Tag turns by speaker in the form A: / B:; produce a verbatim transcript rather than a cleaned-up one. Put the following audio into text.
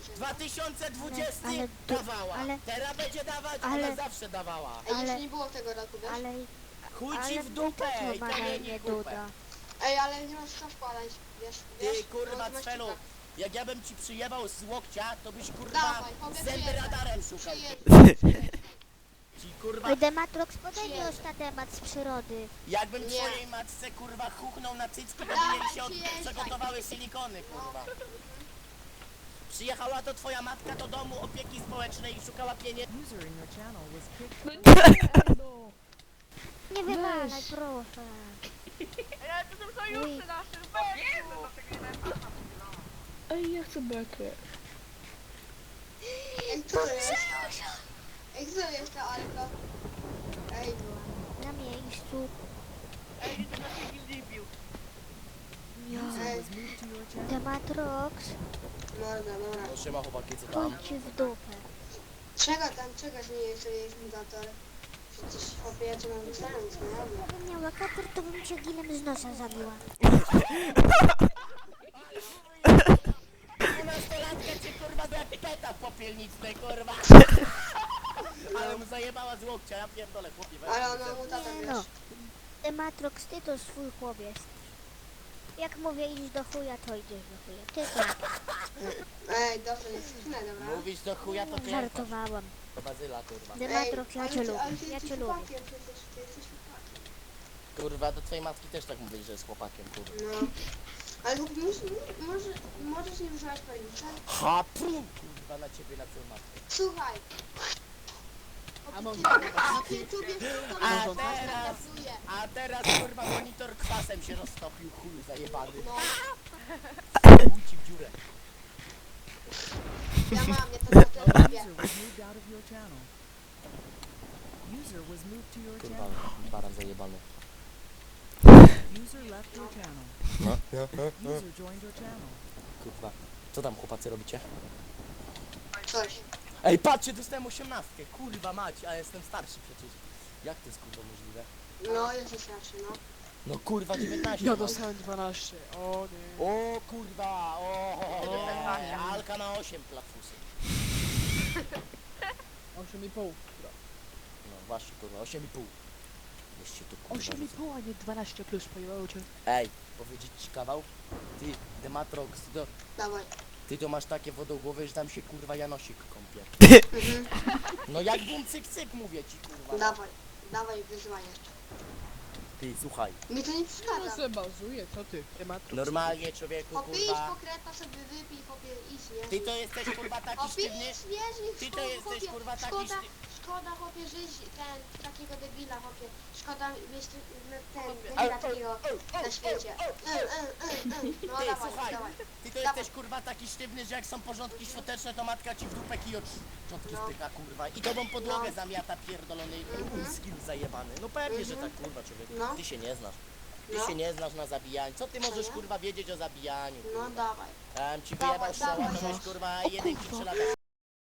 A: dwa tysiące dwudziesty
B: Ale- ale-
A: dawała,
B: ale-
A: teraz będzie dawać,
B: ale-
A: ona zawsze dawała.
C: Ej,
B: Ale-
C: jeszcze nie było tego roku, wiesz?
B: Ale...
A: Chuj ci
B: Ale
A: w dupę
B: to
A: i
B: ma na
A: kamieni
B: imię
A: kupę.
B: Duda.
C: Ej, ale nie masz co wkładać, wiesz? wiesz?
A: Ty kurwa
C: No, to
A: Cfelu,
C: masz
A: jak ja bym ci przyjebał z łokcia, to byś kurwa
C: Dawaj, chłopie,
A: zęby
C: przyjeżdżaj.
A: radarem szukał.
C: Przyjedź.
A: Ci kurwa,
B: Oj, Dematrox, podaj mi
C: Przyjeżdżaj.
B: już na temat z przyrody.
A: jakbym
C: Nie.
A: twojej matce kurwa chuchnął na cycki, to by
C: Dawaj,
A: jej się od...
C: przyjeżdżaj.
A: przygotowały silikony kurwa. Przyjechała to twoja matka do domu opieki społecznej i szukała pieniędzy.
D: User in your channel was kicked.
E: No,
B: Nie wywalaj, proszę.
F: Ale to są sojusze nasze, weź!
E: Ej, ja chcę bekę.
C: Ej, co to jest? Ej, co to jest ta Alka? Ej,
B: Na miejscu.
F: Ej, to na się nie bił.
B: Ja.
C: ej,
D: Was moved to your channel.
B: Dematrox,
C: morda, dobra.
A: No siema chłopaki, co tam?
B: pójdź w dupę.
C: Czego tam, czego że nie sobie jest mutator? Przecież chłopie, ja cię mam wystając, nie robię.
B: Gdybym miała kaper, to bym cię gilem z nosa zabiła.
A: dwunastolatka cię kurwa jak peta popielnicznej kurwa. Ale mu zajebała z łokcia, ja pierdolę chłopie. weź
C: Ale
A: mi
C: ona
A: ten-
C: mutator,
B: Nie
C: wiesz?
B: no. Dematrox, ty to swój chłopiec. Jak mówię idź do chuja, to idziesz do chuja. Ty to.
C: Ej, dobrze, nie skrzynę, dobra?
A: Mówisz do chuja, to ty
B: Żartowałam.
A: do bazyla kurwa.
B: Dematrox, ja
C: ale
B: cię
C: ty-
B: lubię.
C: ale ty
B: Ja
C: jesteś
B: cię lubię.
C: chłopakiem, przecież ty jesteś chłopakiem.
A: Kurwa, do twojej matki też tak mówisz, że jest chłopakiem kurwa.
C: No. Ale mus, może, możesz nie używać pojęcia.
A: Ha, pum, kurwa na ciebie, na twoją matkę.
C: Słuchaj.
E: A może-
C: Na YouTubie to
A: A
C: może
A: teraz-
C: pokazuje.
A: A teraz kurwa monitor kwasem się roztopił, chuj zajebany.
C: No,
A: Chuj ci w dziurę.
C: ja mam, ja to na to robię.
D: User was moved out of your channel. User was moved to your
A: Kurwa,
D: channel.
A: baran zajebany.
D: User left your channel.
A: No.
D: User joined your channel.
A: Kurwa, co tam chłopacy robicie?
C: Coś.
A: Ej, patrzcie, dostałem osiemnastkę, kurwa mać, a jestem starszy przecież. Jak to jest kurwa możliwe?
C: No, jesteś raczej, no.
A: No kurwa, dziewiętnaście
E: Ja
A: mam.
E: dostałem dwanaście. O nie.
A: O kurwa, o, o, nie, Alka na osiem platfusy.
E: osiem i pół.
A: No właśnie kurwa, osiem i pół. Weźcie tu kurwa.
E: osiem i pół, a nie dwanaście plus, pojebało cię.
A: Ej, powiedzieć ci kawał? Ty, Dematrox, ty to,
C: Dawaj.
A: ty to masz takie wodogłowy, że tam się kurwa Janosik kąpie.
C: Mhm.
A: No jak bum cyk cyk mówię ci kurwa.
C: Dawaj. Dawaj wyzwanie.
A: Ty, słuchaj,
C: Mi to nie
E: No
C: przeszkadza.
E: se bazuje, co ty? Temat.
A: normalnie człowieku
C: Chłopie, idź
A: kurwa.
C: po kreta sobie wypij, chłopie, idź, nie?
A: Ty to jesteś kurwa taki
C: Chłopie,
A: sztywny.
C: idź, wiesz, niech
A: Ty to
C: szkoda,
A: jesteś,
C: chłopie,
A: kurwa, taki
C: szkoda,
A: szty-
C: szkoda, chłopie, żyć ten, takiego debila, chłopie. Szkoda mieć ten, ten
A: Ej,
C: debila
A: ej,
C: takiego
A: ej,
C: na
A: ej,
C: świecie.
A: ej, ej,
C: E, e, e, e. No
A: Ty,
C: dawaj,
A: słuchaj.
C: dawaj.
A: Ty to
C: Dawaj.
A: jesteś kurwa taki sztywny, że jak są porządki świąteczne, to matka ci w dupę kij od szczątki
C: No.
A: styka kurwa. I tobą podłogę
C: No.
A: zamiata pierdolony
C: Mhm.
A: skill zajebany. No pewnie, że
C: Mhm.
A: tak kurwa człowieku.
C: No.
A: Ty się nie znasz. Ty
C: No.
A: się nie znasz na zabijaniu. Co ty możesz
C: nie?
A: kurwa wiedzieć o zabijaniu?
C: No dawaj.
A: Tam ci
C: Dawaj,
A: wyjebał strzała, to
C: dawaj.
A: weź kurwa
B: O
A: jedynki
B: kurwa.
A: trzy lata.